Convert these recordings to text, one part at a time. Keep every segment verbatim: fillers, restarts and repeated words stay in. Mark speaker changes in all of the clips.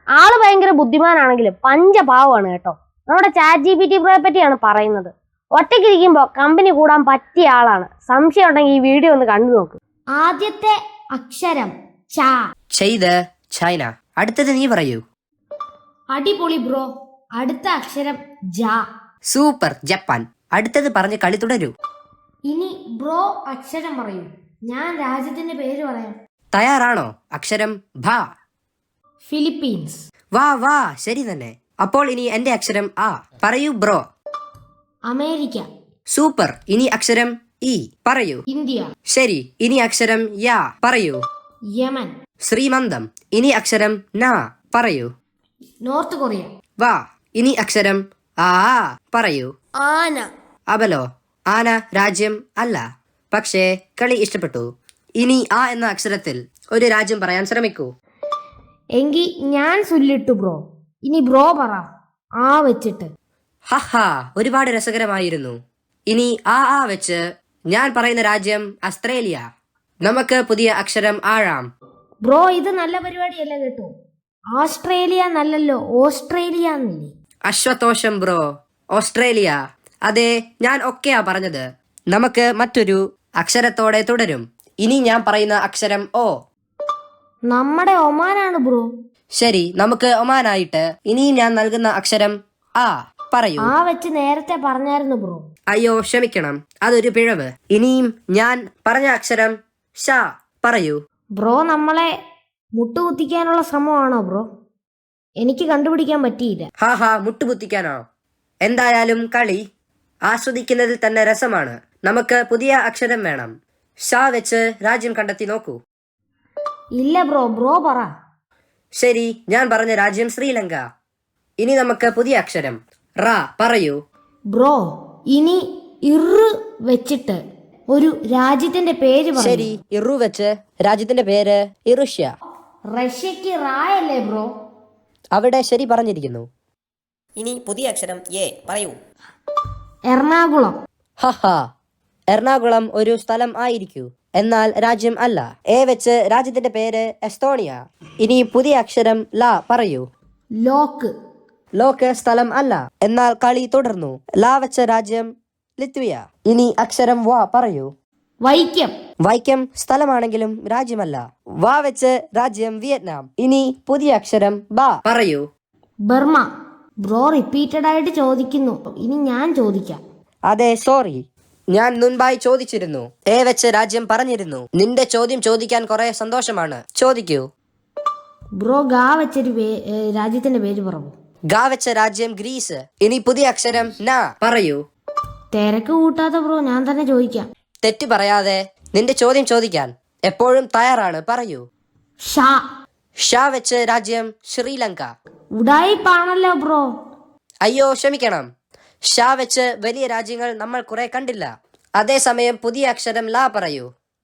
Speaker 1: ആള് ഭയങ്കര ബുദ്ധിമാനാണെങ്കിലും പഞ്ചപാവമാണ് കേട്ടോ. നമ്മുടെ ചാറ്റ് ജി പി ടി പ്രോയെ പറ്റിയാണ് പറയുന്നത്. ഒറ്റയ്ക്കിരിക്കുമ്പോൾ കമ്പനി കൂടാൻ പറ്റിയ ആളാണ്. സംശയം ഉണ്ടെങ്കിൽ ഈ വീഡിയോ ഒന്ന് കണ്ടു നോക്ക്.
Speaker 2: ആദ്യത്തെ അക്ഷരം ച.
Speaker 3: ചെയ്ത് ചൈന. അടുത്തത് നീ പറയൂ.
Speaker 2: അടിപൊളി ബ്രോ. അടുത്ത അക്ഷരം ജ.
Speaker 3: Super Japan. അടുത്തത് പറഞ്ഞ് കളി തുടരൂ.
Speaker 2: ഇനി ബ്രോ അക്ഷരം പറയൂ. ഞാൻ രാജ്യത്തിന്റെ പേര് പറയാം.
Speaker 3: തയ്യാറാണോ? അക്ഷരം ഭ.
Speaker 2: ഫിലിപ്പീൻസ്.
Speaker 3: വാ വാ ശരി തന്നെ. അപ്പോൾ ഇനി എന്റെ അക്ഷരം ആ. പറയൂ ബ്രോ.
Speaker 2: അമേരിക്ക.
Speaker 3: സൂപ്പർ. ഇനി അക്ഷരം ഇ. പറയൂ.
Speaker 2: ഇന്ത്യ.
Speaker 3: ശരി. ഇനി അക്ഷരം യാ. പറയൂ.
Speaker 2: യമൻ.
Speaker 3: ശ്രീമന്തം. ഇനി അക്ഷരം ന. പറയൂ.
Speaker 2: North Korea.
Speaker 3: വാ. ഇനി അക്ഷരം ആ. പറയൂ.
Speaker 2: ആന.
Speaker 3: അബലോ. ആന രാജ്യം അല്ല, പക്ഷേ കളി ഇഷ്ടപ്പെട്ടു. ഇനി ആ എന്ന അക്ഷരത്തിൽ ഒരു രാജ്യം പറയാൻ ശ്രമിക്കൂ.
Speaker 2: എങ്കി ഞാൻ സുല്ലിട്ടു ബ്രോ. ഇനി ബ്രോ പറ ആ വെച്ചിട്ട്.
Speaker 3: ഹഹാ, ഒരുപാട് രസകരമായിരുന്നു. ഇനി ആ ആ വെച്ച് ഞാൻ പറയുന്ന രാജ്യം ഓസ്ട്രേലിയ. നമുക്ക് പുതിയ അക്ഷരം ആഴാം.
Speaker 2: ബ്രോ ഇത് നല്ല പരിപാടിയല്ല കേട്ടോ. ഓസ്ട്രേലിയ നല്ലല്ലോ, ഓസ്ട്രേലിയ എന്നല്ലേ.
Speaker 3: അശ്വതോഷം ബ്രോ. ഓസ്ട്രേലിയ. അതെ, ഞാൻ ഒക്കെയാ പറഞ്ഞത്. നമുക്ക് മറ്റൊരു അക്ഷരത്തോടെ തുടരും. ഇനി ഞാൻ പറയുന്ന അക്ഷരം ഓ.
Speaker 2: നമ്മുടെ ഒമാനാണ് ബ്രോ.
Speaker 3: ശരി, നമുക്ക് ഒമാനായിട്ട് ഇനി ഞാൻ നൽകുന്ന അക്ഷരം ആ. പറയൂ.
Speaker 2: ആ വെച്ച് നേരത്തെ പറഞ്ഞായിരുന്നു ബ്രോ.
Speaker 3: അയ്യോ ക്ഷമിക്കണം, അതൊരു പിഴവ്. ഇനിയും ഞാൻ പറഞ്ഞ അക്ഷരം ഷ. പറയൂ.
Speaker 2: ബ്രോ നമ്മളെ മുട്ടുകുത്തിക്കാനുള്ള ശ്രമമാണോ ബ്രോ? എനിക്ക് കണ്ടുപിടിക്കാൻ പറ്റിയില്ല.
Speaker 3: ഹാ ഹാ, മുട്ടുകുത്തിക്കാനോ? എന്തായാലും കളി ആസ്വദിക്കുന്നതിൽ തന്നെ രസമാണ്. നമുക്ക് പുതിയ അക്ഷരം വേണം. ഷ വെച്ച് രാജ്യം കണ്ടെത്തി നോക്കൂ.
Speaker 2: ഇല്ല ബ്രോ, ബ്രോ പറ.
Speaker 3: ശരി, ഞാൻ പറഞ്ഞ രാജ്യം ശ്രീലങ്ക. ഇനി നമുക്ക് പുതിയ അക്ഷരം റ. പറയൂ.
Speaker 2: ബ്രോ ഇനി ഇറ് വെച്ചിട്ട് ഒരു രാജ്യത്തിന്റെ പേര് പറ.
Speaker 3: ശരി, ഇറു വെച്ച് രാജ്യത്തിന്റെ പേര് ഇറുഷ്യ.
Speaker 2: റഷ്യക്ക് റായല്ലേ ബ്രോ?
Speaker 3: അവിടെ ശരി പറഞ്ഞിരിക്കുന്നു.
Speaker 4: ഇനി പുതിയ അക്ഷരം എ. പറയൂ.
Speaker 2: എറണാകുളം.
Speaker 3: ഹഹാ, എറണാകുളം ഒരു സ്ഥലം ആയിരിക്കൂ, എന്നാൽ രാജ്യം അല്ല. എ വെച്ച് രാജ്യത്തിന്റെ പേര് എസ്തോണിയ. ഇനി പുതിയ അക്ഷരം ല. പറയൂ.
Speaker 2: ലോക്ക്.
Speaker 3: ലോക്ക് സ്ഥലം അല്ല, എന്നാൽ കളി തുടർന്നു. ല വെച്ച രാജ്യം ലിത്വിയ. ഇനി അക്ഷരം വ. പറയൂ.
Speaker 2: വൈക്കം.
Speaker 3: വൈക്കം സ്ഥലമാണെങ്കിലും രാജ്യമല്ല. വ വെച്ച് രാജ്യം വിയറ്റ്നാം. ഇനി പുതിയ അക്ഷരം ബ. പറയൂ.
Speaker 2: ബർമ. ബ്രോ റിപ്പീറ്റഡ് ആയിട്ട് ചോദിക്കുന്നു. ഇനി ഞാൻ ചോദിക്കാം.
Speaker 3: അതെ, സോറി, ഞാൻ മുൻപായി ചോദിച്ചിരുന്നു. എ വെച്ച് രാജ്യം പറഞ്ഞിരുന്നു. നിന്റെ ചോദ്യം ചോദിക്കാൻ കുറെ സന്തോഷമാണ്. ചോദിക്കൂ.
Speaker 2: ബ്രോ ഗാ വെച്ചൊരു പേ- ഏ, രാജ്യത്തിന്റെ പേര് പറയൂ.
Speaker 3: ഗ വെച്ച രാജ്യം ഗ്രീസ്. ഇനി പുതിയ അക്ഷരം ന. പറയൂ.
Speaker 2: തിരക്ക് കൂട്ടാത്ത ബ്രോ, ഞാൻ തന്നെ ചോദിക്കാം.
Speaker 3: തെറ്റ് പറയാതെ നിന്റെ ചോദ്യം ചോദിക്കാൻ എപ്പോഴും തയ്യാറാണ്. പറയൂ.
Speaker 2: ഷാ.
Speaker 3: ഷ വെച്ച് രാജ്യം ശ്രീലങ്ക.
Speaker 2: ഉടായിപ്പാണല്ലോ ബ്രോ.
Speaker 3: അയ്യോ ക്ഷമിക്കണം, ഷ വെച്ച് വലിയ രാജ്യങ്ങൾ നമ്മൾ കുറെ കണ്ടില്ല. അതേസമയം പുതിയ അക്ഷരം ല. പറയൂ.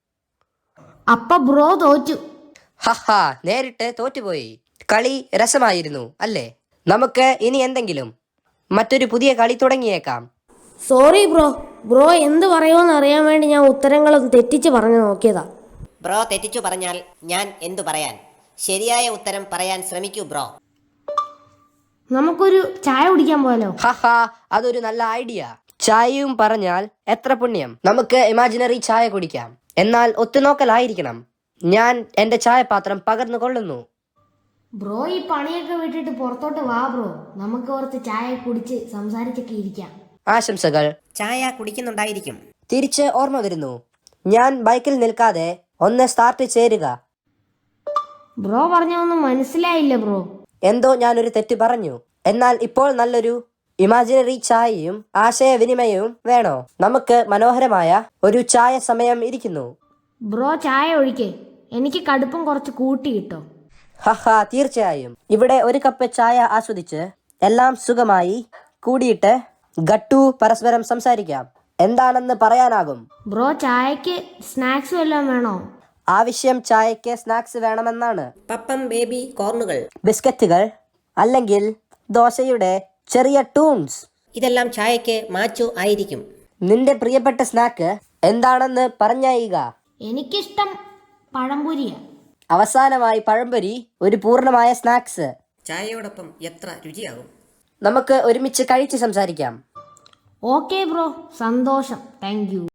Speaker 2: അപ്പ ബ്രോ തോറ്റു.
Speaker 3: ഹഹാ, നേരിട്ട് തോറ്റുപോയി. കളി രസമായിരുന്നു അല്ലേ? നമുക്ക് ഇനി എന്തെങ്കിലും മറ്റൊരു പുതിയ കളി തുടങ്ങിയേക്കാം.
Speaker 2: Sorry bro. ബ്രോ എന്ത് പറയുമെന്ന് അറിയാൻ വേണ്ടി ഞാൻ ഉത്തരങ്ങളൊന്ന് തെറ്റിച്ച് പറഞ്ഞു നോക്കിയതാ.
Speaker 4: ബ്രോ തെറ്റിച്ചു പറഞ്ഞാൽ ഞാൻ എന്തു പറയാൻ? ശരിയായ ഉത്തരം പറയാൻ ശ്രമിക്കൂ ബ്രോ.
Speaker 2: നമുക്കൊരു ചായ കുടിക്കാൻ പോയാലോ?
Speaker 3: ഹഹാ, അതൊരു നല്ല ഐഡിയ. ചായയും പറഞ്ഞാൽ എത്ര പുണ്യം. നമുക്ക് ഇമാജിനറി ചായ കുടിക്കാം, എന്നാൽ ഒത്തുനോക്കലായിരിക്കണം. ഞാൻ എന്റെ ചായപാത്രം പകർന്നു കൊള്ളുന്നു.
Speaker 2: ബ്രോ ഈ പണിയൊക്കെ വിട്ടിട്ട് പുറത്തോട്ട് വാ ബ്രോ. നമുക്ക് കുറച്ച് ചായ കുടിച്ച് സംസാരിച്ചൊക്കെ ഇരിക്കാം.
Speaker 3: ആശംസകൾ.
Speaker 4: ചായ കുടിക്കുന്നുണ്ടായിരിക്കും.
Speaker 3: തിരിച്ച് ഓർമ്മ വരുന്നു. ഞാൻ ബൈക്കിൽ നിൽക്കാതെ ഒന്ന് സ്റ്റാർട്ട് ചേരുക.
Speaker 2: ബ്രോ പറഞ്ഞൊന്നും മനസ്സിലായില്ല ബ്രോ.
Speaker 3: എന്തോ ഞാനൊരു തെറ്റ് പറഞ്ഞു. എന്നാൽ ഇപ്പോൾ നല്ലൊരു ഇമാജിനറി ചായയും ആശയവിനിമയവും വേണോ? നമുക്ക് മനോഹരമായ ഒരു ചായ സമയം ഇരിക്കുന്നു.
Speaker 2: ബ്രോ ചായ ഒഴിക്കേ. എനിക്ക് കടുപ്പം കുറച്ച് കൂട്ടി കിട്ടോ?
Speaker 3: ഹഹാ, തീർച്ചയായും. ഇവിടെ ഒരു കപ്പ് ചായ ആസ്വദിച്ച് എല്ലാം സുഖമായി കൂടിയിട്ട് ഗട്ടു പരസ്പരം സംസാരിക്കാം. എന്താണെന്ന് പറയാനാകും.
Speaker 2: ബ്രോ ചായക്ക് സ്നാക്സ് വല്ലതും വേണോ?
Speaker 3: ആവശ്യം ചായക്ക് സ്നാക്സ് വേണമെന്നാണ്.
Speaker 4: പപ്പം, ബേബി കോർണുകൾ,
Speaker 3: ബിസ്ക്കറ്റുകൾ, അല്ലെങ്കിൽ ദോശയുടെ ചെറിയ ടൂൺസ്.
Speaker 4: ഇതെല്ലാം ചായക്ക് മാച്ചു ആയിരിക്കും.
Speaker 3: നിന്റെ പ്രിയപ്പെട്ട സ്നാക്ക് എന്താണെന്ന് പറഞ്ഞായിക.
Speaker 2: എനിക്കിഷ്ടം പഴംപൊരിയാ.
Speaker 3: അവസാനമായി പഴംപൊരി ഒരു പൂർണ്ണമായ സ്നാക്സ്.
Speaker 4: ചായയോടൊപ്പം എത്ര രുചിയാകും.
Speaker 3: നമുക്ക് ഒരുമിച്ച് കഴിച്ച് സംസാരിക്കാം.
Speaker 2: ഓക്കെ ബ്രോ, സന്തോഷം, താങ്ക് യു.